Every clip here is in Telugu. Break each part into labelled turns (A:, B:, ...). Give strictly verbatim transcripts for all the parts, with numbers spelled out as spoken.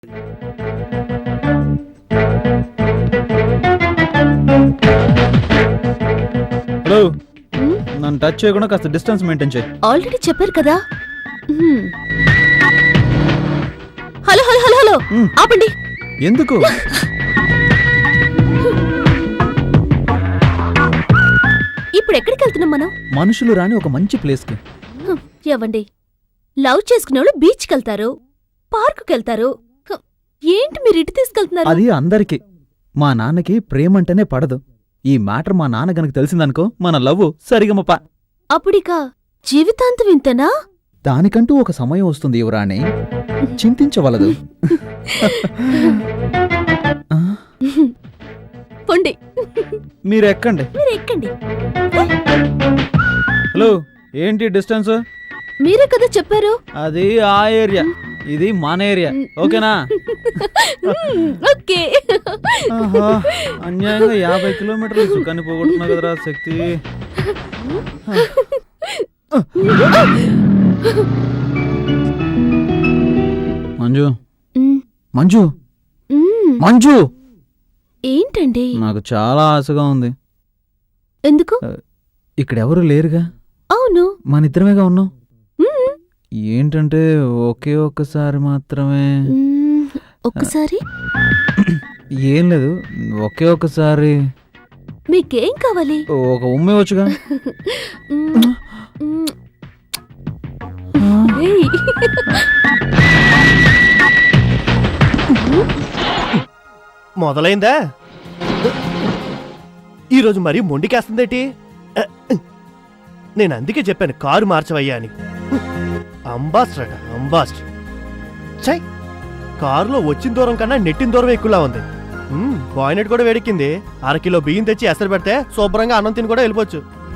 A: హలో, నన్ను టచ్ చేయకుండా కాస్త డిస్టెన్స్ మెయింటైన్ చేయి.
B: ఆల్రెడీ చెప్పారు కదా. హలో హలో హలో హలో ఆపండి.
A: ఎందుకు?
B: ఇప్పుడు ఎక్కడికి వెళ్తున్నాం మనం?
A: మనుషులు రాని ఒక మంచి ప్లేస్ కి.
B: ఏవండి, లవ్ చేసుకునే వాళ్ళు బీచ్కి వెళ్తారు, పార్కుకి వెళ్తారు. ఏంటి మీరు ఇటు తీసుకెళ్తున్నారు?
A: అది అందరికి. మా నాన్నకి ప్రేమంటేనే పడదు. ఈ మ్యాటర్ మా నాన్న గనక తెలిసిందనుకో మన లవ్ సరిగమప.
B: అప్పుడిక జీవితాంతం ఇంతనా?
A: దానికంటూ ఒక సమయం వస్తుంది యువరాణి, చింతించవలదు.
B: పొండి,
A: మీరు ఎక్కండి.
B: మీరు ఎక్కండి.
A: హలో, ఏంటి డిస్టెన్స్?
B: మీరే కదా చెప్పారు.
A: అది ఆ ఏరియా, ఇది మన ఏరియా. ఓకేనా?
B: ఓకే.
A: అన్యాయంగా యాభై కిలోమీటర్లు సుఖాన్ని పోగొట్టున్నా కదరా శక్తి. మంజు, మంజు, మంజు,
B: ఏంటండి?
A: నాకు చాలా ఆశగా ఉంది.
B: ఎందుకు?
A: ఇక్కడెవరు లేరుగా.
B: అవును,
A: మన ఇద్దరమేగా ఉన్నాం. ఏంటంటే ఒకే ఒక్కసారి మాత్రమే.
B: ఒక్కసారి
A: ఏం లేదు, ఒకే ఒక్కసారి.
B: మీకేం కావాలి?
A: ఒక ఉమ్మే వచ్చుగా.
C: మొదలైందా? ఈరోజు మరీ మొండికేస్తుందేటి? నేను అందుకే చెప్పాను కారు మార్చవయ్యా అని. అంబాస్టర్ అట, అంబాస్టర్. చై, కారులో వచ్చిన దూరం కన్నా నెట్టిన దూరం ఎక్కువలా ఉంది. బాయినెట్ కూడా వేడెక్కింది. అరకిలో బియ్యం తెచ్చి ఎసరు పెడితే శుభ్రంగా అన్నం తిని కూడా వెళ్ళిపోవచ్చు.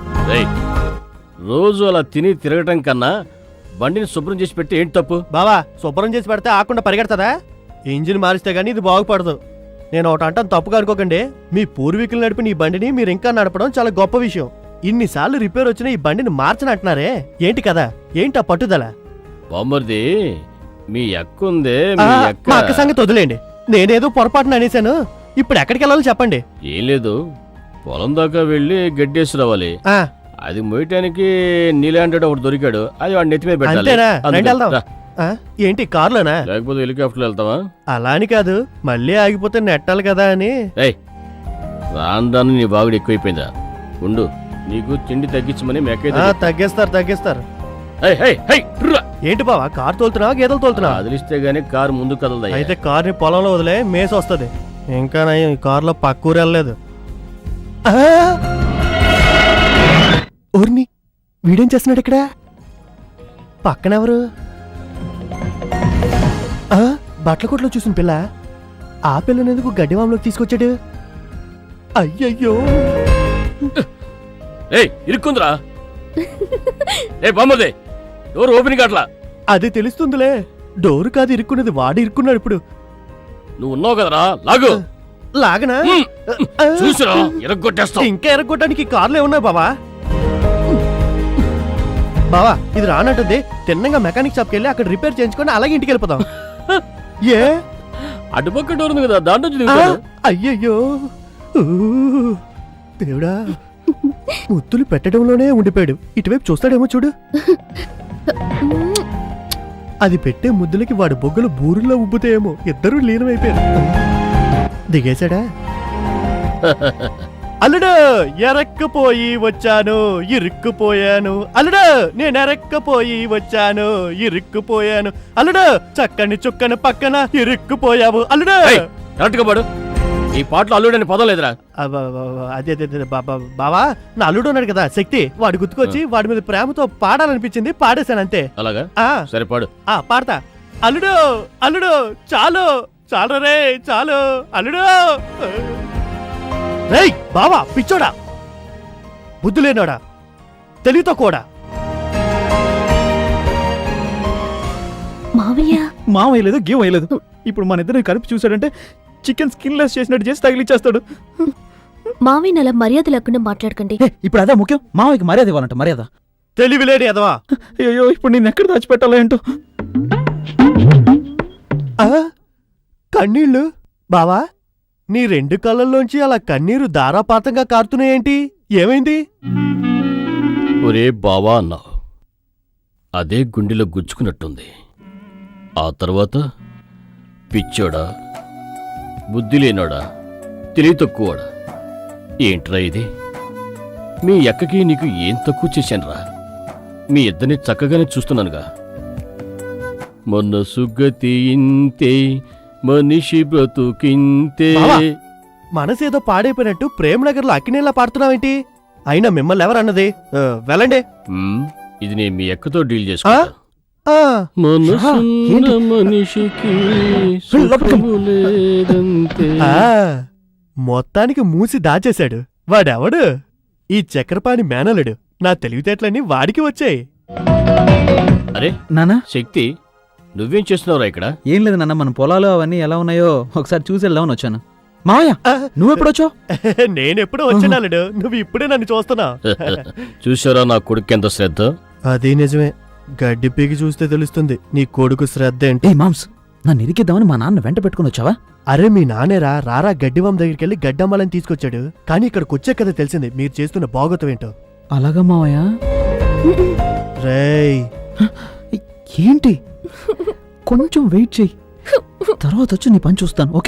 D: రోజు అలా తిని తిరగటం కన్నా బండిని శుభ్రం చేసి పెట్టి ఏంటి తప్పు?
C: బావా, శుభ్రం చేసి పెడితే ఆకుండా పరిగెడతదా? ఇంజిన్ మారిస్తే గానీ ఇది బాగుపడదు. నేను ఒకటి అంటాను, తప్పుగా అనుకోకండి. మీ పూర్వీకులు నడిపిన ఈ బండిని మీరు ఇంకా నడపడం చాలా గొప్ప విషయం. ఇన్నిసార్లు రిపేర్ వచ్చిన ఈ బండిని మార్చనంటున్నారే, ఏంటి కదా? ఏంటి ఆ పట్టుదల?
D: బామ్మర్ది, మీ అక్కుందే.
C: మా అక్క సంగతి వదిలేండి. నేనేదో పొరపాటున అనేశాను. ఇప్పుడు ఎక్కడికి వెళ్ళాలో చెప్పండి.
D: ఏం లేదు, పొలం దాకా వెళ్ళి గడ్డేసి రావాలి. అది మోయటానికి నీలాంటి ఒకటి దొరికాడు, అది వాడి నెత్తి మీద పెట్టాలి.
C: ఏంటి కారులోనా?
D: లేకపోతే హెలికాప్టర్లో వెళ్తావా?
C: అలా అని కాదు, మళ్ళీ ఆగిపోతే నెట్టాలి కదా అని.
D: రాందాన్ని నీ బాగుడు ఎక్కువైపోయిందా? ఉండు, నీకు తిండి తగ్గించమని
C: తగ్గిస్తారు తగ్గిస్తారు.
D: ఏంటి
C: బావా, కారు తోలుతున్నావా గేదెలు తోలుతున్నావా?
D: అదిలిస్తే గానీ కారు ముందుకు కదలదా?
C: అయితే కారుని పొలంలో వదిలే, మేసి వస్తుంది. ఇంకా నయం, ఈ కారులో పక్కూరు వెళ్ళలేదు. ఊరిని వీడేం చేస్తున్నాడు ఇక్కడ? పక్కనెవరు? బట్టల కొట్లో చూసిన పిల్ల. ఆ పిల్లనెందుకు గడ్డివాంలోకి తీసుకొచ్చాడు? అయ్యయ్యో,
D: ఇరుక్కుందిరా. ఏ బామ్మదే, డోర్ ఓపెన్ కాట్లా.
C: అది తెలుస్తుందిలే, డోరు కాదు ఇరుక్కున్నది, వాడు ఇరుక్కున్నాడు. ఇప్పుడు
D: నువ్వు ఉన్నావు కదరా, లాగు.
C: లాగనా?
D: చూసిరా, ఎరగొట్టేస్తా.
C: ఇంకా ఎరగొట్టడానికి కార్లు ఏమున్నాయి బావా? బావా, ఇది రానంటుంది. తిన్నంగా మెకానిక్ షాప్కి వెళ్ళి అక్కడ రిపేర్ చేయించుకొని అలాగే ఇంటికి వెళ్ళిపోతాం. ఏ
D: అటుపక్క డోర్ ఉంది కదా, దాంట్లో.
C: అయ్యయ్యో దేవుడా, ముద్దులు పెట్టడంలోనే ఉండిపోయాడు. ఇటువైపు చూస్తాడేమో చూడు. అది పెట్టే ముద్దులకి వాడు బొగ్గలు బూరుల్లో ఉబ్బుతాయేమో. ఇద్దరూ లీనమైపోయారు. దిగేశాడా? అల్లుడు, ఎరక్కపోయి వచ్చాను, ఇరుక్కుపోయాను. అల్లుడు, నేను ఎరక్కపోయి వచ్చాను, ఇరుక్కుపోయాను. అల్లుడు, చక్కని చుక్కని పక్కన ఇరుక్కుపోయావు. అల్లుడు,
D: ఈ పాటలో అల్లుడు అని పదం లేదురా.
C: అదే బావా, నా అల్లుడు ఉన్నాడు కదా శక్తి, వాడు గుర్తుకొచ్చి వాడి మీద ప్రేమతో పాడాలనిపించింది, పాడేశాను అంతే.
D: అలాగా? సరే పాడు.
C: పాడతా. అల్లుడు, అల్లుడు, చాలు చాలు రే, చాలు అల్లుడు. రేయ్ బావా, పిచ్చోడా, బుద్ధి లేనోడా, తెలివితో కూడా.
B: మావయ్య
A: మావయ్య లేదు, గేమ్ వేయలేదు. ఇప్పుడు మన ఇద్దరు కలిపి చూసాడంటే చికెన్ స్కిన్ లెస్ చేసినట్టు చేసి తగిలిచ్చేస్తాడు.
B: మావయ్య అలా మర్యాద లేకుండా మాట్లాడకండి.
A: ఇప్పుడు అదే ముఖ్యం, మావయ్యకి మర్యాద ఇవ్వాలంట. మర్యాద
C: తెలివిలేని అదవా.
A: అయ్యో, ఇప్పుడు నేను ఎక్కడ దాచిపెట్టాలో ఏంటో.
C: కన్నీళ్ళు బావా నీ రెండు కళ్ళల్లోంచి అలా కన్నీరు ధారాపాతంగా కారుతున్నాయేంటి? ఏమైంది?
D: ఒరే బావా అన్నావు, అదే గుండెలో గుచ్చుకున్నట్టుంది. ఆ తర్వాత పిచ్చోడా, బుద్ధి లేనోడా, తెలివి తక్కువడా, ఏంట్రా ఇది? మీ అక్కకి నీకు ఏం తక్కువ చేశానురా? మీ ఇద్దరిని చక్కగానే చూస్తున్నానుగా. మొన్న సుగతి ఇంతే, మనిషి బ్రతుకింతే.
C: బావా, మనసేదో పాడైపోయినట్టు ప్రేమనగర్లో అక్కినేలా పాడుతున్నావేంటి? అయినా మిమ్మల్ని ఎవరన్నది? ఆ, వెళ్ళండి.
D: హ్మ్, ఇది నేను మీ అక్కతో డీల్ చేసుకుంటా.
C: ఆ,
D: మనసున్న మనిషికి సుఖము లేదంతే.
C: ఆ, మొత్తానికి మూసి దాచేశాడు. వాడెవడు? ఈ చక్రపాణి మేనలుడు. నా తెలివితేటలన్నీ వాడికి వచ్చాయి.
D: అరే
A: నానా
D: శక్తి, నువ్వేం చేస్తున్నావురా ఇక్కడ?
A: ఏం లేదు నాన్న, మన పొలాలు అవన్నీ ఎలా ఉన్నాయో ఒకసారి చూసి వెళ్దామని వచ్చాను. మావయ్య
C: ఆ,
A: నువ్వెప్పుడొచ్చావు?
C: నేనెప్పుడో వచ్చినాలుడు, నువ్వు ఇప్పుడే నన్ను చూస్తున్నావు.
D: చూసారా నా కొడుకు ఎంత శ్రద్ధ?
C: అది నిజమే. గడ్డి పీకి చూస్తే తెలుస్తుంది నీ కొడుకు శ్రద్ధ ఏంటి.
A: ఏ మామ్స్, నన్ను ఇరికిద్దామని మా నాన్న వెంట పెట్టుకుని వచ్చావా?
C: అరే మీ నానేరా రారా గడ్డివం దగ్గరికి వెళ్ళి గడ్డమ్మాలని తీసుకొచ్చాడు. కానీ ఇక్కడికి వచ్చే కదా తెలిసింది మీరు చేస్తున్న బాగోతం ఏంటో.
A: అలాగా మావయ్య?
C: రేయ్
A: ఏంటి, కొంచెం వెయిట్ చెయ్యి, తర్వాత వచ్చి నీ పని చూస్తాను. ఓకే?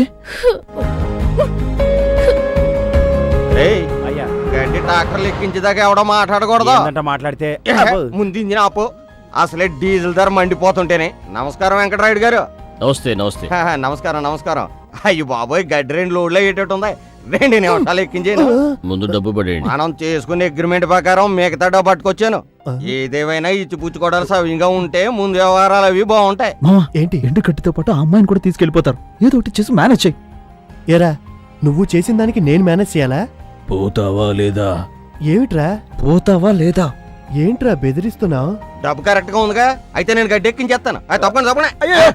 E: అయ్యా గడ్డి ట్రాక్టర్లు ఎక్కించేదాకా ఎవడో మాట్లాడకూడదు.
F: ఏందంట మాట్లాడితే
E: ముందు ఇంజిన్ ఆపు. అసలే డీజిల్ ధర మండిపోతుంటేనే. నమస్కారం వెంకటరాయుడు గారు.
D: నమస్తే నమస్తే.
E: హా, నమస్కారం నమస్కారం. అయ్యో బాబోయ్, గడ్డి రెండు లోడ్లు అయ్యేటట్టు ఉంది. రెండు నిమిషాలు ఎక్కించాను.
D: ముందు డబ్బు పడేయండి.
E: మనం చేసుకునే అగ్రిమెంట్ ప్రకారం మిగతా డబ్బు పట్టుకొచ్చాను. ఏదేమైనా ఇచ్చిపుచ్చుకోవడాలు సవ్యంగా ఉంటే ముందు వ్యవహారాలు అవి బాగుంటాయి.
A: మావా,
C: ఏంటి?
A: ఎండు కట్టితో పాటు ఆ అమ్మాయిని కూడా తీసుకెళ్లిపోతారు. ఏదో ఒకటి చేసి మేనేజ్ చెయ్యి.
C: ఏరా నువ్వు చేసిన దానికి నేను మేనేజ్ చేయాలా?
D: పోతావా లేదా?
C: ఏమిట్రా
A: పోతావా లేదా?
C: ఏంట్రా బెదిరిస్తున్నావు?
E: డబ్బు కరెక్ట్ గా ఉందిగా, అయితే నేను గడ్డి ఎక్కించేస్తాను. అది తప్పకుండా తప్పకుండా.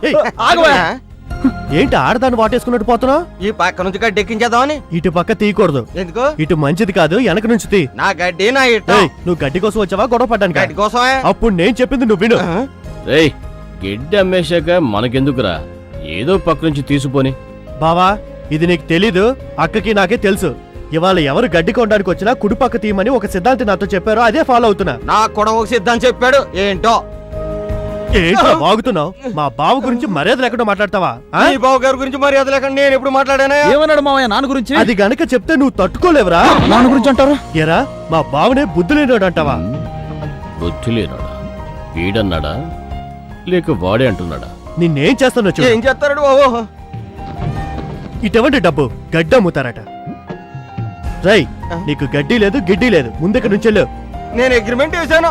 C: ఏంటి ఆడదాన్ని వాటేసుకున్నట్టు పోతున్నావు?
E: ఈ పక్క నుంచి గడ్డి ఎక్కించేద్దామని.
C: ఇటు పక్క తీయకూడదు.
E: ఎందుకు?
C: ఇటు మంచిది కాదు, వెనక నుంచి తీ.
E: నా గడ్డి నా ఇట్ట.
C: ఏయ్, నువ్వు గడ్డి కోసం వచ్చావా గొడవ పడ్డానికి?
E: గడ్డి కోసమే.
C: అప్పుడు నేను చెప్పింది నువ్వు విను.
D: రేయ్, గడ్డి అమ్మేశాక మనకెందుకురా, ఏదో పక్క నుంచి తీసుకొని.
C: బావా, ఇది నీకు తెలీదు, అక్కకి నాకే తెలుసు. ఇవాళ ఎవరు గడ్డి కొనడానికి వచ్చినా కుడి పక్క తీయమని ఒక సిద్ధాంతి నాతో చెప్పారో అదే ఫాలో అవుతున్నా.
E: నాకు కూడా ఒక సిద్ధాంతం చెప్పాడు. ఏంటో?
C: ఏంట్రా బాగుతున్నావు? మా బావ గురించి మర్యాద లేకుండా మాట్లాడతావా? ఆ?
E: ఈ బావ గారి గురించి మర్యాద లేకుండా నేను ఎప్పుడు మాట్లాడానా?
A: ఏమన్నాడు మావయ్య నాన్న గురించి?
C: అది గనక చెప్తే నువ్వు తట్టుకోలేవురా.
A: నాన్న గురించి అంటారా?
C: ఎరా మా బావనే బుద్ధి లేనాడు అంటావా?
D: బుద్ధి లేనాడా? వీడన్నాడా లేక వాడే అంటున్నాడా?
C: నిన్నేం చేస్తానో చూడు.
E: ఏం చేస్తాడు బాబు?
C: ఇటువంటి డబ్బు గడ్డి అమ్ముతారట. రై, నీకు గడ్డి లేదు గిడ్డి లేదు, ముందుకు నుంచెళ్ళు.
E: నేను అగ్రిమెంట్ చేశాను.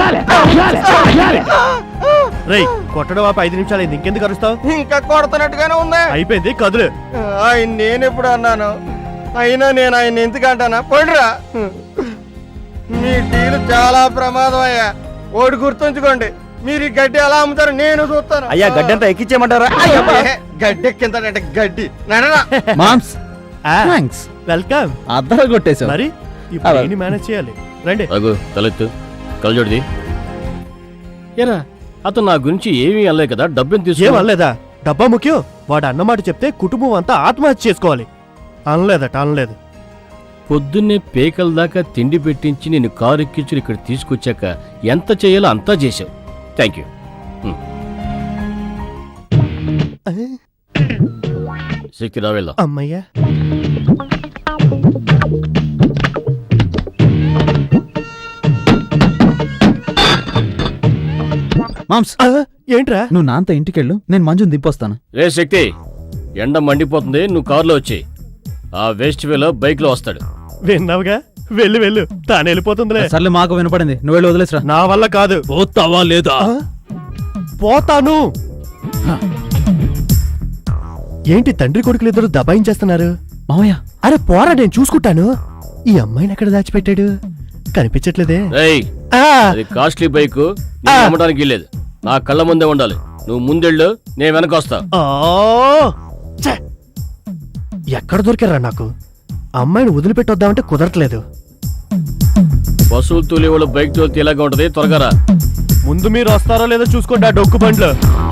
C: రై, కొట్టడం ఆపి ఐదు నిమిషాలు అయింది, ఇంకెందుకు అరుస్తావు?
E: ఇంకా కొడుతున్నట్టుగానే ఉంది.
C: అయిపోయింది, కదులు.
E: ఆయన నేను ఎప్పుడు అన్నాను? అయినా నేను ఆయన ఎందుకు అంటానా? పడురా. మీ డీలు చాలా ప్రమాదం అయ్యా. ఓడి గుర్తుంచుకోండి, మీరు ఈ గడ్డి ఎలా అమ్ముతారు నేను చూస్తాను.
F: అయ్యా గడ్డి అంతా ఎక్కించేయమంటారా?
E: ఏ, గడ్డి ఎక్కింతాడంటే గడ్డి నడరా.
A: మామ్స్,
C: ఆ,
A: థాంక్స్.
C: వెల్కమ్.
A: అద్దరు కొట్టేశావు.
C: మరి ఇప్పుడు ఏంటి మేనేజ్ చేయాలి? రండి.
D: అగు తలెత్తు, కలజోడిది. ఏరా, అతను నా గురించి ఏమీ అనలే కదా, డబ్బుని
C: ఏం
D: తీసుకో.
C: అనలేదా? డబ్బా ముఖ్యం. వాడు అన్నమాట చెప్తే కుటుంబం అంతా ఆత్మహత్య చేసుకోవాలి. అనలేదట, అనలేదు.
D: పొద్దున్నే పేకల దాకా తిండి పెట్టించి నేను కారు ఎక్కించి ఇక్కడ తీసుకొచ్చాక ఎంత చేయాలో అంతా చేశావు. Thank you. శక్తి రా వెళ్దాం.
C: అమ్మయ్యా.
A: మామ్స్,
C: ఆ, ఏంట్రా?
A: నువ్వు నాన్నతో ఇంటికెళ్ళు, నేను మంజుని దింపొస్తాను.
D: రే శక్తి, ఎండ మండిపోతుంది, నువ్వు కారులో వచ్చి ఆ వేస్ట్ వేలో బైక్ లో వస్తాడు.
C: విన్నావుగా, వెళ్ళు వెళ్ళు, తాను వెళ్ళిపోతుందిలే.
A: సర్లే, మాకు వినపడింది, నువ్వు వెళ్ళి వదిలేసరా.
C: నా వల్ల కాదు.
D: పోతావా లేదా?
C: ఆ? పోతాను. ఏంటి తండ్రి కొడుకులు ఇద్దరు దబాయించేస్తున్నారు?
A: మావయ్య,
C: అరే పోరా, నేను చూసుకుంటాను. ఈ అమ్మాయిని ఎక్కడ దాచిపెట్టాడు? కనిపించట్లేదే.
D: రేయ్,
C: ఆ,
D: అది కాస్ట్లీ బైక్, నీకు అమ్మడానికి లేదు. నా కళ్ళ ముందే ఉండాలి. నువ్వు ముందెళ్ళు, నేను వెనక వస్తా.
C: ఆ, ఛే! ఎక్కడ దొరికారా నాకు? అమ్మాయిని వదిలిపెట్టొద్దామంటే కుదరట్లేదు.
D: వసూలు తోలేవాళ్ళు బైక్ తోలితే ఇలాగా ఉంటది. త్వరగా రా.
C: ముందు మీరు వస్తారో లేదో చూసుకోండి ఆ డొక్కు బండ్లు.